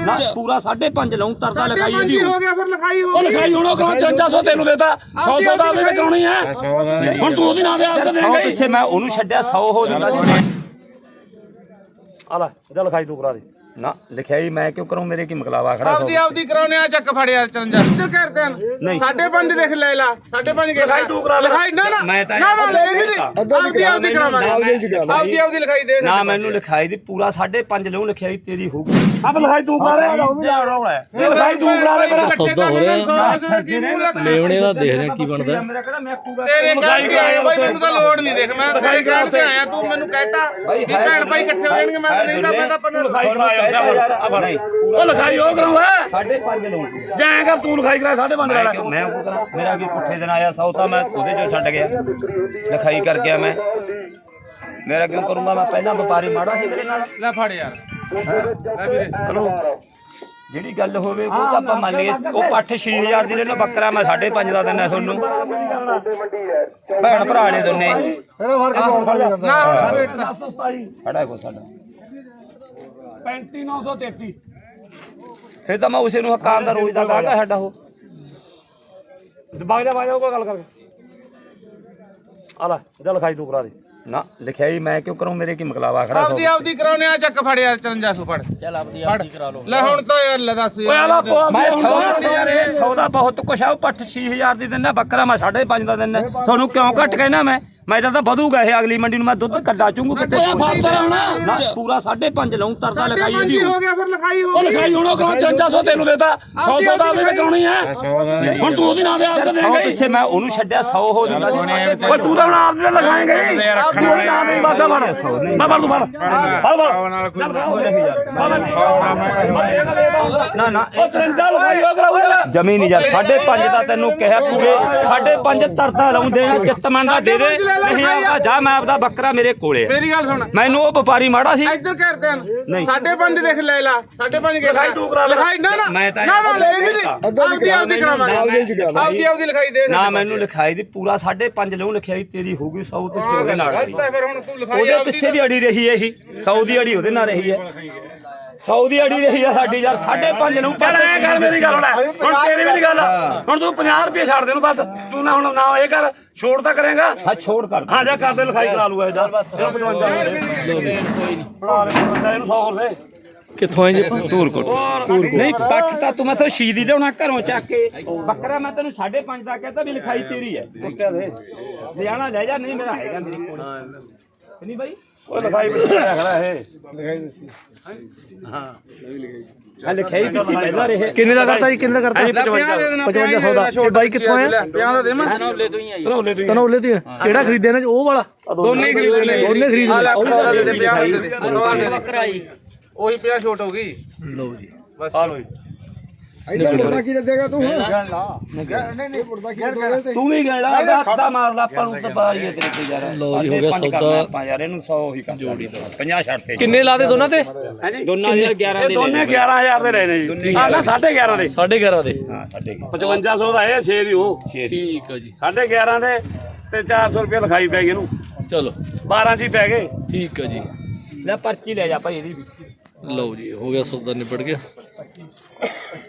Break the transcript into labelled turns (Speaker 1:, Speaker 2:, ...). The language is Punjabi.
Speaker 1: ਨਾ ਪੂਰਾ 5.5 ਲਾਉਂ ਤਰਸਾ ਲਿਖਾਈ ਇਹਦੀ
Speaker 2: ਹੋ ਗਿਆ ਫਿਰ ਲਿਖਾਈ ਹੋ ਗਈ
Speaker 1: ਲਿਖਾਈ ਹੁਣ ਉਹ 5500 ਤੈਨੂੰ ਦੇਤਾ 100 ਦਾ ਵੀ ਕਰਾਉਣੀ ਹੈ ਹੁਣ ਤੂੰ ਉਹਦੀ ਨਾਂ ਦੇ ਆਪ ਦੇਂਗਾ ਪਿੱਛੇ ਮੈਂ ਉਹਨੂੰ ਛੱਡਿਆ 100 ਹੋ ਜਾਂਦਾ ਆ ਲੈ ਇਹਦਾ ਲਿਖਾਈ ਤੂੰ ਕਰਾ ਦੇ ਨਾ ਲਿਖਾਈ ਮੈਂ ਕਿਉਂ ਕਰਾਂ ਮੇਰੇ ਕੀ ਮਕਲਾਵਾ ਖੜਾ
Speaker 2: ਆਪਦੀ ਕਰਾਉਣੇ ਆ ਚੱਕ ਫੜ ਯਾਰ 54 ਇੱਧਰ ਕਰਦੇ ਹਨ 5.5 ਦੇਖ ਲੈ ਲਾ 5.5
Speaker 1: ਲਿਖਾਈ ਤੂੰ ਕਰਾ ਲੈ
Speaker 2: ਲਿਖਾਈ ਨਾ
Speaker 1: ਮੈਂ ਤਾਂ
Speaker 2: ਆਪਦੀ ਕਰਾਵਾਂਗੇ ਆਪਦੀ ਲਿਖਾਈ ਦੇ
Speaker 1: ਨਾ ਮੈਨੂੰ ਲਿਖਾਈ ਦੀ ਪੂਰਾ 5.5 ਲਊ ਲਿਖਾਈ ਤੇਰੀ ਹੋਊਗੀ ਆਪ ਲਿਖਾਈ ਤੂੰ ਕਰਾ ਲੈ ਲਿਖਾਈ ਤੂੰ ਕਰਾ ਲੈ ਮੇਰਾ
Speaker 3: ਸੌਦਾ ਹੋ ਰਿਹਾ ਮੇਵਣੇ ਦਾ ਦੇਖਦੇ ਆ ਕੀ ਬਣਦਾ
Speaker 1: ਮੇਰਾ ਕਿਹੜਾ ਮੈਂ ਕੂਗਾ
Speaker 2: ਤੇਰੇ ਲਿਖਾਈ ਆਇਆ ਬਾਈ ਮੈਨੂੰ ਤਾਂ ਲੋੜ ਨਹੀਂ ਦੇਖ ਮੈਂ ਤੇਰੇ ਕਹਿਣ ਤੇ ਆਇਆ ਤੂੰ ਮੈਨੂੰ ਕਹਿਤਾ ਕਿ ਭੈਣ ਭਾਈ ਇਕੱਠੇ ਹੋ ਜਾਣਗੇ ਮੈਂ ਨਹੀਂ ਤਾਂ ਮੈਂ ਤਾਂ ਪੰਨ
Speaker 1: ਲਿਖਾਈ ਉਹ ਲਿਖਾਈ ਉਹ ਕਰਾਉਂਦਾ 5.5 ਲਊ ਜਾਏਗਾ ਤੂੰ ਲਿਖਾਈ ਕਰਾ 5.5 ਲੈ ਮੈਂ ਉਹ ਕਰਾਂ ਮੇਰਾ ਕੀ ਪੁੱਠੇ ਦਿਨ ਆਇਆ ਸੌ ਤਾਂ ਮੈਂ ਉਹਦੇ ਚੋਂ ਛੱਡ ਗਿਆ ਲਿਖਾਈ ਕਰ ਗਿਆ ਮੈਂ ਮੇਰਾ ਕਿਉਂ ਕਰੂੰਗਾ ਮੈਂ ਪਹਿਲਾਂ ਵਪਾਰੀ ਮਾੜਾ ਸੀ ਤੇਰੇ ਨਾਲ
Speaker 2: ਲੈ ਫੜ ਯਾਰ ਲੈ ਵੀਰੇ
Speaker 1: ਹਲੋ ਜਿਹੜੀ ਗੱਲ ਹੋਵੇ ਉਹ ਤਾਂ ਆਪਾਂ ਮੰਨ ਲਈਏ ਉਹ ਪੱਠ 6000 ਦੀ ਲੈ ਲਓ ਬੱਕਰਾ ਮੈਂ 5.5 ਦਾ ਦਿੰਦਾ ਤੁਹਾਨੂੰ ਭੈਣ ਭਰਾ ਨੇ ਦੋਨੇ
Speaker 2: ਨਾ ਰੇਟ ਦਾ
Speaker 1: ਖੜਾ ਕੋ ਸਾਡਾ 35933 ਫੇਰ ਤਾਂ ਮੈਂ ਉਸੇ ਨੂੰ ਹਕਾਮ ਦਾ ਰੋਜ਼ ਦਾ ਗਾਹਕ ਸਾਡਾ ਉਹ ਬਾਗ ਜਾ ਕੋ ਗੱਲ ਕਰਕੇ ਆ ਲੈ ਇਹਦਾ ਲਿਖਾਈ ਤੂੰ ਕਰਾ ਦੇ ਨਾ ਲਿਖਾਈ ਮੈਂ ਕਿਉਂ ਕਰੂੰ ਮੇਰੇ ਕੀ ਮਕਲਾਵਾ ਖੜਾ
Speaker 2: ਆਪਦੀ ਕਰਾਉਣੇ ਆ ਚੱਕ ਫੜ ਯਾਰ 5400 ਫੜ
Speaker 3: ਚੱਲ ਆਪਦੀ ਕਰਾ ਲਓ
Speaker 2: ਲੈ ਹੁਣ ਤਾਂ ਯਾਰ ਲੈ ਦੱਸ
Speaker 1: ਓਏ ਆਲਾ ਮੈਂ ਸੌਦਾ ਬਹੁਤ ਕੁਛ ਆ ਉਹ ਪੱਠ 6000 ਦੀ ਦਿੰਦਾ ਬੱਕਰਾ ਮੈਂ 5.5 ਦਾ ਦਿੰਦਾ ਤੁਹਾਨੂੰ ਕਿਉਂ ਘੱਟ ਕਹਿਣਾ ਮੈਂ ਤਾਂ ਵਧੂਗਾ ਇਹ ਅਗਲੀ ਮੰਡੀ ਨੂੰ ਮੈਂ ਦੁੱਧ ਕੱਢਾ ਚੂੰਗਾ ਕਿਤੇ ਨਾ ਪੂਰਾ 5.5 ਲਾਉਂ ਤਰਸਾ ਲਿਖਾਈ ਇਹਦੀ
Speaker 2: ਹੋ ਗਿਆ ਫਿਰ ਲਿਖਾਈ ਹੋ
Speaker 1: ਉਹ ਲਿਖਾਈ ਹੁਣ ਉਹ 5500 ਤੈਨੂੰ ਦੇਤਾ 100 ਦਾ ਵੀ ਕਰਾਉਣੀ ਹੈ ਹੁਣ ਤੂੰ ਉਹਦੀ ਨਾਂ ਦੇ ਆਪ ਦੇਂਗਾ ਪਿੱਛੇ ਮੈਂ ਉਹਨੂੰ ਛੱਡਿਆ 100 ਹੋ ਜਾਂਦਾ ਓਏ ਤੂੰ ਤਾਂ ਹੁਣ ਆਪ ਦੇ ਲਗਾਏਂਗਾ ਹੀ ਉਹਦੀ ਨਾਂ ਦੇ ਬਸ ਫੜ ਮੈਂ ਫੜ ਤੂੰ ਨਾ ਉਹ 53 ਲਿਖਾਈ ਹੋ ਕਰਾਊਗਾ ਜ਼ਮੀਨ ਯਾਰ 5.5 ਦਾ ਤੈਨੂੰ ਕਿਹਾ ਪੂਰੇ 5.5 ਤਰਤਾ ਲਾਉਂਦੇ ਆ ਚਿੱਤਮਨ ਦਾ ਦੇ ਦੇ ਨਹੀਂ ਆਉਂਦਾ ਜਾ ਮੈਂ ਆਪਦਾ ਬੱਕਰਾ ਮੇਰੇ ਕੋਲੇ
Speaker 2: ਮੇਰੀ ਗੱਲ ਸੁਣ
Speaker 1: ਮੈਨੂੰ ਉਹ ਵਪਾਰੀ ਮਾੜਾ ਸੀ
Speaker 2: ਇੱਧਰ ਕਰਦੇ ਹਨ 5.5 ਦੇਖ ਲੈ ਲਾ 5.5
Speaker 1: ਲਿਖਾਈ ਤੂੰ ਕਰਾ ਲੈ
Speaker 2: ਲਿਖਾਈ ਨਾ
Speaker 1: ਮੈਂ ਤਾਂ
Speaker 2: ਆਪਦੀ ਕਰਾਵਾਂਗੇ ਆਪਦੀ ਲਿਖਾਈ ਦੇ
Speaker 1: ਨਾ ਮੈਨੂੰ ਲਿਖਾਈ ਦੀ ਪੂਰਾ 5.5 ਲਊ ਲਿਖਾਈ ਤੇਰੀ ਹੋਊਗੀ 100 ਤੇ ਉਹਦੇ ਨਾਲ
Speaker 2: ਫਿਰ ਹੁਣ ਤੂੰ ਲਿਖਾਈ
Speaker 1: ਉਹਦੇ ਪਿੱਛੇ ਦੀ ਅੜੀ ਰਹੀ ਹੈ ਇਹੀ 100 ਦੀ ਅੜੀ ਉਹਦੇ ਨਾਲ ਰਹੀ ਹੈ 100 ਦੀ ਅੜੀ ਰਹੀ ਆ ਸਾਡੀ ਯਾਰ 5.5 ਨੂੰ ਚੱਲ ਐ ਕਰ ਮੇਰੀ ਗੱਲ ਹੁਣ ਤੇਰੀ ਵੀ ਨਹੀਂ ਗੱਲ ਹੁਣ ਤੂੰ 50 ਰੁਪਏ ਛੱਡ ਦੇ ਨੂੰ ਬਸ ਤੂੰ ਨਾ ਹੁਣ ਨਾ ਇਹ ਕਰ ਛੋੜ ਤਾਂ ਕਰੇਗਾ ਹਾਂ ਛੋੜ ਕਰ ਹਾਂ ਜਾ ਕਰਦੇ ਲਿਖਾਈ ਕਰਾ ਲੂਗਾ ਇਹਦਾ 55 ਕੋਈ ਨਹੀਂ ਫੜਾ ਲੈ ਇਹਨੂੰ 100 ਹੋਰ ਦੇ
Speaker 3: ਕਿੱਥੋਂ ਆਏ ਜੀ
Speaker 1: ਧੂਰਕੋਟ ਨਹੀਂ ਪੱਠ ਤਾਂ ਤੂੰ ਮੈਥੋਂ ਸ਼ੀਦੀ ਲਿਆਉਣਾ ਘਰੋਂ ਚੱਕ ਕੇ ਬੱਕਰਾ ਮੈਂ ਤੈਨੂੰ 5.5 ਦਾ ਕਹਿੰਦਾ ਵੀ ਲਿਖਾਈ ਤੇਰੀ ਹੈ ਕੁੱਟਿਆ ਦੇ ਲਿਆਣਾ ਲੈ ਜਾ ਨਹੀਂ ਮੇਰਾ ਹੈਗਾ ਮੇਰੇ ਕੋਲ ਨਹੀਂ ਬਾਈ ਉਹ ਲਿਖਾਈ ਖੜਾ ਇਹ ਲਿਖਾਈ ਦੱਸੀ ਹਾਂ ਲਿਖਾਈ ਵੀ ਸੀ ਪਹਿਲਾਂ ਰਹੇ
Speaker 3: ਕਿੰਨੇ ਦਾ ਕਰਤਾ ਜੀ ਕਿੰਨੇ ਦਾ ਕਰਤਾ 5500 ਦਾ ਇਹ ਬਾਈ ਕਿੱਥੋਂ ਆਇਆ
Speaker 2: 50 ਦਾ ਦੇਵਾਂ
Speaker 1: ਤਨੌਲੇ ਤੋਂ ਹੀ ਆਈ
Speaker 3: ਤਨੌਲੇ ਤੋਂ ਕਿਹੜਾ ਖਰੀਦਿਆ ਨਾ ਉਹ ਵਾਲਾ
Speaker 2: ਦੋਨੇ ਖਰੀਦਦੇ ਨੇ
Speaker 3: ਦੋਨੇ ਖਰੀਦਦੇ
Speaker 2: ਦੇ 50 ਦੇ ਬੱਕਰਾ ਆਈ ਉਹੀ 50 ਛੋਟ ਹੋ ਗਈ
Speaker 3: ਲਓ ਜੀ
Speaker 2: ਬਸ
Speaker 1: ਆ ਲੋ ਜੀ
Speaker 4: ਮੁਰਦਾ ਕੀ ਦੇਗਾ ਤੂੰ ਨਹੀਂ ਮੁਰਦਾ ਕੀ ਦੇਗਾ
Speaker 1: ਤੂੰ ਵੀ ਗੇੜਾ ਹੱਥਾ ਮਾਰ ਲਾ ਆਪਾਂ ਨੂੰ ਤਾਂ ਬਾਰੀ ਹੈ ਤੇਰੇ ਤੇ ਯਾਰ
Speaker 3: ਲਓ ਜੀ ਹੋ ਗਿਆ ਸੌਦਾ
Speaker 1: ਆਪਾਂ ਯਾਰ ਇਹਨੂੰ 100 ਹੀ ਕਰ ਜੋੜੀ 50 ਛੱਡ ਤੇ
Speaker 3: ਕਿੰਨੇ ਲਾਦੇ ਦੋਨਾਂ ਤੇ
Speaker 1: ਹਾਂਜੀ ਦੋਨਾਂ ਦੇ 11 ਦੇ ਦੋਨੇ 11000 ਦੇ ਲੈਣੇ ਜੀ ਆ ਨਾ 11.5 ਦੇ
Speaker 3: 11.5 ਦੇ
Speaker 1: ਹਾਂ 5500 ਦਾ ਇਹ 6 ਦੀ ਉਹ
Speaker 3: ਠੀਕ ਹੈ ਜੀ
Speaker 1: 11.5 ਦੇ ਤੇ 400 ਰੁਪਏ ਲਿਖਾਈ ਪੈ ਗਈ ਇਹਨੂੰ
Speaker 3: ਚਲੋ
Speaker 1: 12 ਚ ਹੀ ਪੈ ਗਏ
Speaker 3: ਠੀਕ ਹੈ ਜੀ
Speaker 1: ਲੈ ਪਰਚੀ ਲੈ ਜਾ ਭਾਈ ਇਹਦੀ ਵੀ
Speaker 3: ਲਓ ਜੀ ਹੋ ਗਿਆ ਸੌਦਾ ਨਿਬੜ ਗਿਆ